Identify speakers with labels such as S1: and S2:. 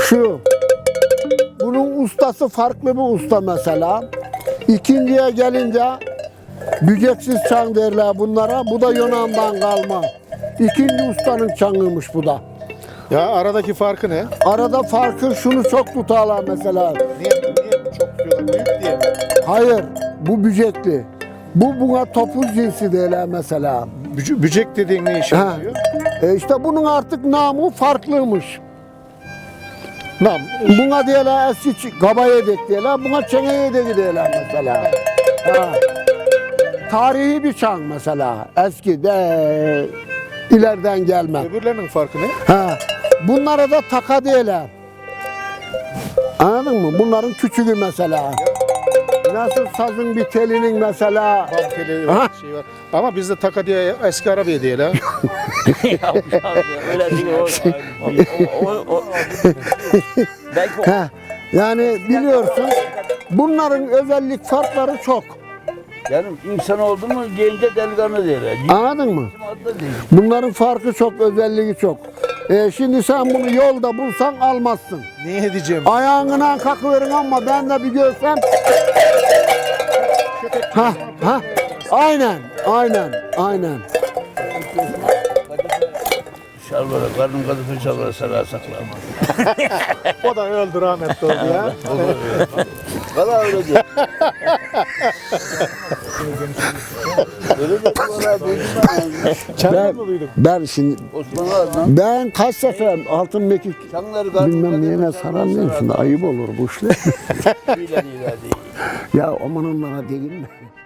S1: Şu. Bunun ustası farklı bir usta mesela. İkinciye gelince büceksiz çan derler bunlara. Bu da Yunan'dan kalma. İkinci ustanın çanıymış bu da.
S2: Ya aradaki farkı ne?
S1: Arada farkı şunu çok tutarlar mesela.
S2: Niye çok tutuyorlar? Büyük diye mi?
S1: Hayır, bu bücekli. Bu buna topuz cinsi derler mesela.
S2: Bücek dediğin ne işe
S1: Ha.
S2: yarıyor?
S1: İşte bunun artık namı farklıymış.
S2: Nam.
S1: Buna diyorlar eski kaba yedek diyorlar, buna çene yedek diyorlar mesela. Ha. Tarihi bir çan mesela, eski de ileriden gelme.
S2: Öbürlerinin farkı ne?
S1: Ha. Bunlara da taka diyorlar. Anladın mı? Bunların küçüğü mesela. Nasıl sazın bir telinin mesela.
S2: Bam teli var, şey var. Ama bizde taka diye eski arabaya diye la.
S3: Ya öyle değil belki o
S1: Ha. Yani biliyorsun bunların özellik farkları çok.
S3: yani insan oldu mu gelince delikanlı derler.
S1: Anladın mı?
S3: Adı değil.
S1: Bunların farkı çok, özelliği çok. Şimdi sen bunu yolda bulsan almazsın.
S2: Ne edeceğim?
S1: Ayağına kakıverin ama ben de bir görsem. Ha, ha. Aynen, aynen.
S3: Şalvara, karnım kadife şalvara sarar saklamaz.
S2: O da öldü rahmetli oldu ya.
S3: Valla öyle diyor. Öyle de valla duydum ben.
S2: Çanlı mı duydum?
S1: Ben şimdi,
S3: Osman Ağa'dan
S1: ben kaç sefer altın mekik
S3: çanları karnım
S1: bilmem neyine saramıyorum şimdi ayıp olur bu işler.
S3: ilan değil.
S1: Ya aman onlara değil mi?